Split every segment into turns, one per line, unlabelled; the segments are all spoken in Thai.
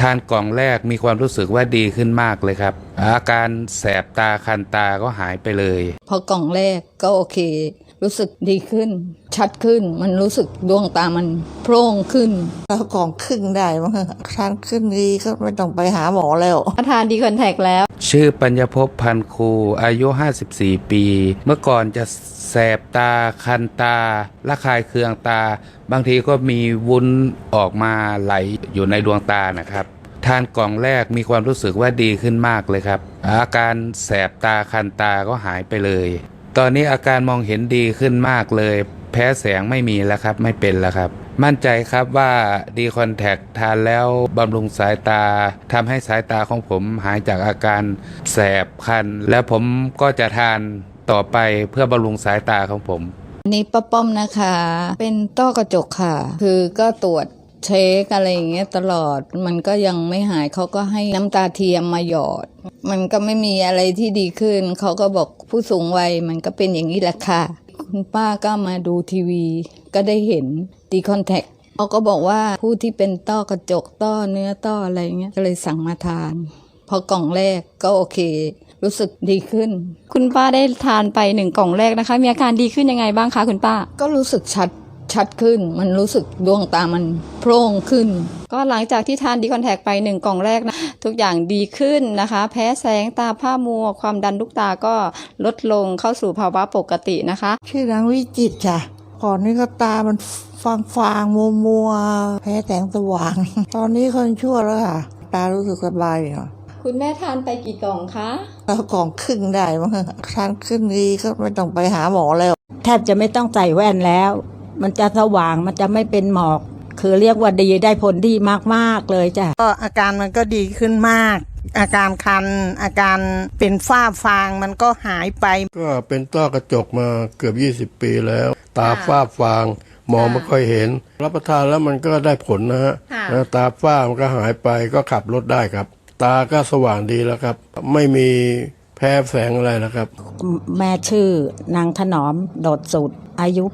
ทานกล่องแรกมีความรู้สึกว่าดีขึ้นมากเลยครับอาการแสบตาคันตาก็หายไปเลย
พอกล่องแรกก็โอเค รู้สึกดีขึ้น ชัดขึ้น มันรู้สึกดวงตามันโพร่งขึ้น
แล้วกล่องครึ่งได้มั้งทานครึ่งดีก็ไม่ต้องไปหาหมอแล้ว
ทานดีคอนแทคแล้ว
ชื่อปัญญภพพันคูอายุ54ปีเมื่อก่อนจะแสบตาคันตาระคายเคืองตาบางทีก็มีวุ้นออกมาไหลอยู่ในดวงตานะครับทานกล่องแรกมีความรู้สึกว่าดีขึ้นมากเลยครับอาการแสบตาคันตาก็หายไปเลยตอนนี้อาการมองเห็นดีขึ้นมากเลยแพ้แสงไม่มีแล้วครับไม่เป็นแล้วครับมั่นใจครับว่าดีคอนแทคทานแล้วบำรุงสายตาทำให้สายตาของผมหายจากอาการแสบคันแล้วผมก็จะทานต่อไปเพื่อบำรุงสายตาของผม
นี่ป้าป้อมนะคะเป็นต้อกระจกค่ะคือก็ตรวจเช็คอะไรอย่างเงี้ยตลอดมันก็ยังไม่หายเขาก็ให้น้ำตาเทียมมาหยอดมันก็ไม่มีอะไรที่ดีขึ้นเขาก็บอกผู้สูงวัยมันก็เป็นอย่างนี้แหละค่ะคุณป้าก็มาดูทีวีก็ได้เห็นดีคอนแทคเขาก็บอกว่าผู้ที่เป็นต้อกระจกต้อเนื้อต้ออะไรเงี้ยก็เลยสั่งมาทานพอกล่องแรกก็โอเครู้สึกดีขึ้น
คุณป้าได้ทานไป1 กล่องแรกนะคะมีอาการดีขึ้นยังไงบ้างคะคุณป้า
ก็รู้สึกชัดขึ้นมันรู้สึกดวงตามันโพร่งขึ้น
ก็หลังจากที่ทานดีคอนแทคไป1 กล่องแรกนะทุกอย่างดีขึ้นนะคะแพ้แสงตาผ้ามัวความดันลูกตาก็ลดลงเข้าสู่ภาวะปกตินะคะ
ชื่อนางวิจิตรค่ะก่อนนี้ก็ตามันฟางมัวแพ้แสงสว่างตอนนี้คนชั่วแล้วค่ะตารู้สึกสบายค่ะ
คุณแม่ทานไปกี่กล่องคะ
แล้วกล่องครึ่งได้มั้งทานครึ่งดีก็ไม่ต้องไปหาหมอแล้ว
แทบจะไม่ต้องใส่แว่นแล้วมันจะสว่างมันจะไม่เป็นหมอกคือเรียกว่าดีได้ผลดีมากๆเลยจ้ะ
ก็อาการมันก็ดีขึ้นมากอาการคันอาการเป็นฝ้าฟางมันก็หายไป
ก็เป็นต้อกระจกมาเกือบ20 ปีแล้วตาฝ้าฟางมองไม่ค่อยเห็นรับประทานแล้วมันก็ได้ผลนะฮะตาฝ้ามันก็หายไปก็ขับรถได้ครับตาก็สว่างดีแล้วครับไม่มีแพ้แสงอะไรนะครับ
แม่ชื่อนางถนอมโดดสุดอายุ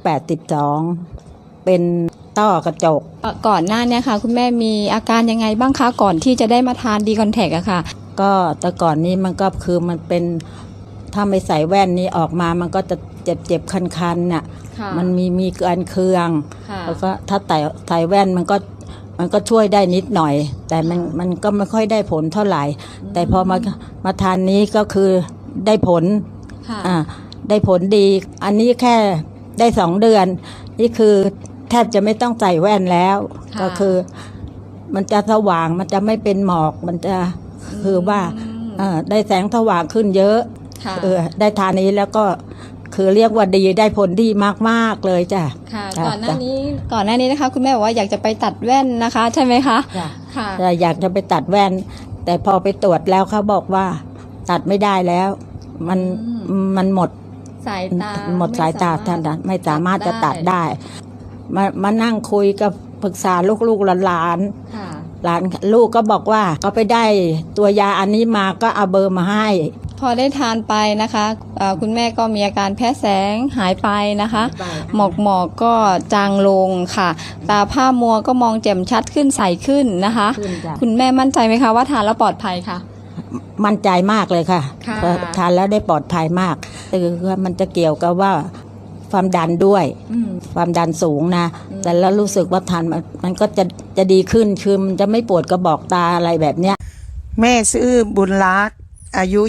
82เป็นต้อกระจก
ก่อนหน้านี้ค่ะคุณแม่มีอาการยังไงบ้างคะก่อนที่จะได้มาทานดีคอนแทคอะค่ะ
ก็แต่ก่อนนี้มันก็คือมันเป็นถ้าไม่ใส่แว่นนี้ออกมามันก็จะเจ็บคันๆน่ะมันมีการเคืองแล้วก็ถ้าใส่แว่นมันก็ช่วยได้นิดหน่อยแต่มันก็ไม่ค่อยได้ผลเท่าไหร่แต่พอมาทานนี้ก็คือได้ผลได้ผลดีอันนี้แค่ได้2 เดือนนี่คือแทบจะไม่ต้องใส่แว่นแล้วก็คือมันจะสว่างมันจะไม่เป็นหมอกมันจะคือว่าได้แสงสว่างขึ้นเยอะได้ทานนี้แล้วก็คือเรียกว่าดีได้ผลดีมากๆเลยจ้ะ
ค่ะก่อนหน้านี้นะคะคุณแม่บอกว่าอยากจะไปตัดแว่นนะคะใช่ไหมคะ
ค่ะอยากจะไปตัดแว่นแต่พอไปตรวจแล้วเขาบอกว่าตัดไม่ได้แล้วมันหมด
สายตา
ท่านไม่สามารถจะตัดได้มานั่งคุยกับปรึกษาลูกหลานลูกก็บอกว่าก็ไปได้ตัวยาอันนี้มาก็เอาเบอร์มาให้
พอได้ทานไปนะคะคุณแม่ก็มีอาการแพ้แสงหายไปนะคะหมอกก็จางลงค่ะตาผ้ามัวก็มองแจ่มชัดขึ้นใสขึ้นนะคะคุณแม่มั่นใจไหมคะว่าทานแล้วปลอดภัยค่ะ
มั่นใจมากเลยค่ะทานแล้วได้ปลอดภัยมากคือมันจะเกี่ยวกับว่าความดันด้วยความดันสูงนะแต่แล้วรู้สึกว่าทานมันก็จะดีขึ้นคือมันจะไม่ปวดกระบอกตาอะไรแบบเนี้ย
แม่ชื่อบุญรักษ์อายุ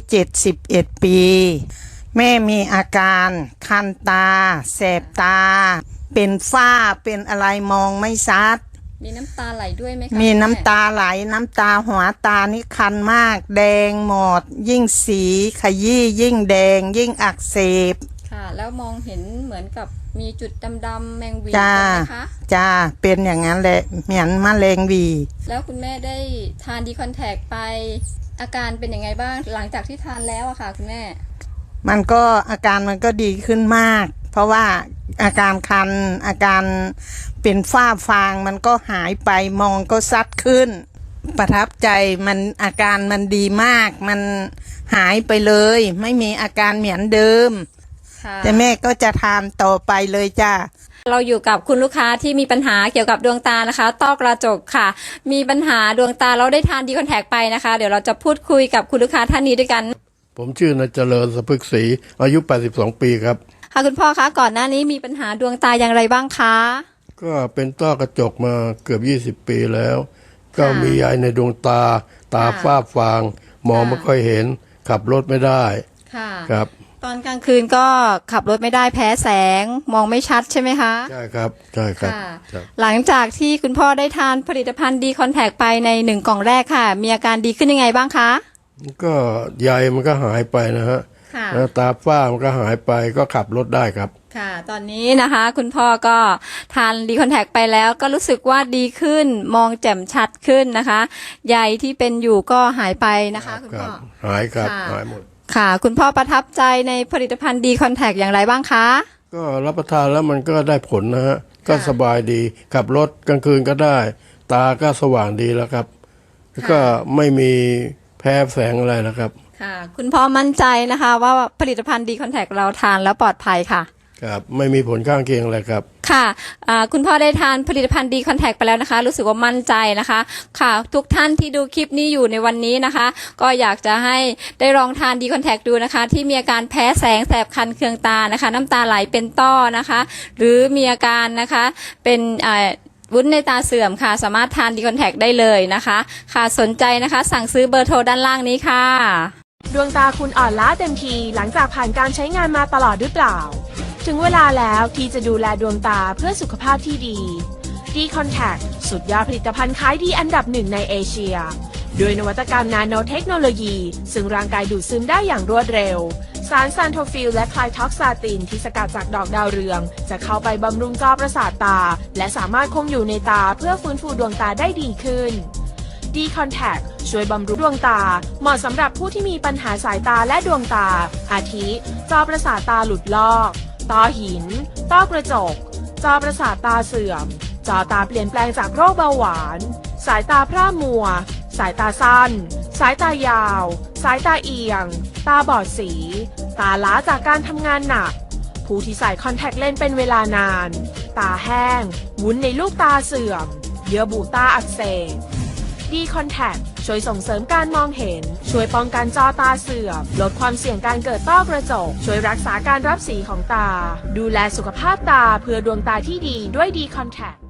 71 ปีแม่มีอาการคันตาแสบตาเป็นฝ้าเป็นอะไรมองไม่ชัด
มีน้ำตาไหลด้วยไหมคะ
มีน้ำตาไหลน้ำตาหัวตานี่คันมากแดงหมดยิ่งสีขยี้ยิ่งแดงยิ่งอักเสบ
ค่ะแล้วมองเห็นเหมือนกับมีจุดดำๆแมงวีใช่ไหมคะ
จ้าเป็นอย่างนั้นแหละเหมือนมะเร็งวี
แล้วคุณแม่ได้ทานดีคอนแทคไปอาการเป็นยังไงบ้างหลังจากที่ทานแล้วอะค่ะคุณแม่
มันก็อาการมันก็ดีขึ้นมากเพราะว่าอาการคันอาการเป็นฝ้าฟางมันก็หายไปมองก็ชัดขึ้นประทับใจมันอาการมันดีมากมันหายไปเลยไม่มีอาการเหมือนเดิมแต่แม่ก็จะทานต่อไปเลยจ้า
เราอยู่กับคุณลูกค้าที่มีปัญหาเกี่ยวกับดวงตานะคะต้อกระจกค่ะมีปัญหาดวงตาเราได้ทานดีคอนแทคไปนะคะเดี๋ยวเราจะพูดคุยกับคุณลูกค้าท่านนี้ด้วยกัน
ผมชื่อนายเจริญสะพึกศรีอายุ 82 ปีครับ
ค่ะคุณพ่อคะก่อนหน้านี้มีปัญหาดวงตาอย่างไรบ้างคะ
ก็เป็นต้อกระจกมาเกือบ20 ปีแล้วก็มีใยในดวงตาฝ้าฟางมองไม่ค่อยเห็นขับรถไม่ได้ครับ
ตอนกลางคืนก็ขับรถไม่ได้แพ้แสงมองไม่ชัดใช่ไหมคะ
ใช่ครับใช่ครับ
หลังจากที่คุณพ่อได้ทานผลิตภัณฑ์ดีคอนแทคไปใน1กล่องแรกค่ะมีอาการดีขึ้นยังไงบ้างคะ
ก็ใยมันก็หายไปนะฮะแล้วตาฝ้ามันก็หายไปก็ขับรถได้ครับ
ค่ะตอนนี้นะคะคุณพ่อก็ทานดีคอนแทคไปแล้วก็รู้สึกว่าดีขึ้นมองแจ่มชัดขึ้นนะคะใยที่เป็นอยู่ก็หายไปนะคะคุณพ่อ
หายครับหายหมด
ค่ะคุณพ่อประทับใจในผลิตภัณฑ์ดีคอนแทคอย่างไรบ้างคะ
ก็รับประทานแล้วมันก็ได้ผลนะฮะก็สบายดีขับรถกลางคืนก็ได้ตาก็สว่างดีแล้วครับก็ไม่มีแพ้แสงอะไรแล้วครับ
ค่ะคุณพ่อมั่นใจนะคะว่าผลิตภัณฑ์ดีคอนแทคเราทานแล้วปลอดภัยค่ะ
ครับไม่มีผลข้างเคียงอะไรครับ
ค่ะคุณพ่อได้ทานผลิตภัณฑ์ดีคอนแทคไปแล้วนะคะรู้สึกว่ามั่นใจนะคะค่ะทุกท่านที่ดูคลิปนี้อยู่ในวันนี้นะคะก็อยากจะให้ได้ลองทานดีคอนแทคดูนะคะที่มีอาการแพ้แสงแสบคันเคืองตานะคะน้ำตาไหลเป็นต้อนะคะหรือมีอาการนะคะเป็นวุ้นในตาเสื่อมค่ะสามารถทานดีคอนแทคได้เลยนะคะค่ะสนใจนะคะสั่งซื้อเบอร์โทรด้านล่างนี้ค่ะ
ดวงตาคุณอ่อนล้าเต็มทีหลังจากผ่านการใช้งานมาตลอดหรือเปล่าถึงเวลาแล้วที่จะดูแลดวงตาเพื่อสุขภาพที่ดี D-Contact สุดยอดผลิตภัณฑ์ขายดีอันดับ1ในเอเชียด้วยนวัตกรรมนาโนเทคโนโลยีซึ่งร่างกายดูดซึมได้อย่างรวดเร็วสารซานโทฟิลและไคลท็อกซาตินที่สกัดจากดอกดาวเรืองจะเข้าไปบำรุงจอประสาทตาและสามารถคงอยู่ในตาเพื่อฟื้นฟูดวงตาได้ดีขึ้นD-Contact ช่วยบำรุงดวงตาเหมาะสำหรับผู้ที่มีปัญหาสายตาและดวงตาอาทิจอประสาทตาหลุดลอกต้อหินต้อกระจกจอประสาทตาเสื่อมจอตาเปลี่ยนแปลงจากโรคเบาหวานสายตาพร่ามัวสายตาสั้นสายตายาวสายตาเอียงตาบอดสีตาล้าจากการทำงานหนักผู้ที่ใส่คอนแทคเลนส์เป็นเวลานานตาแห้งวุ้นในลูกตาเสื่อมเยื่อบุตาอักเสบD-Contact ช่วยส่งเสริมการมองเห็นช่วยป้องกันจอตาเสื่อมลดความเสี่ยงการเกิดต้อกระจกช่วยรักษาการรับสีของตาดูแลสุขภาพตาเพื่อดวงตาที่ดีด้วยD-Contact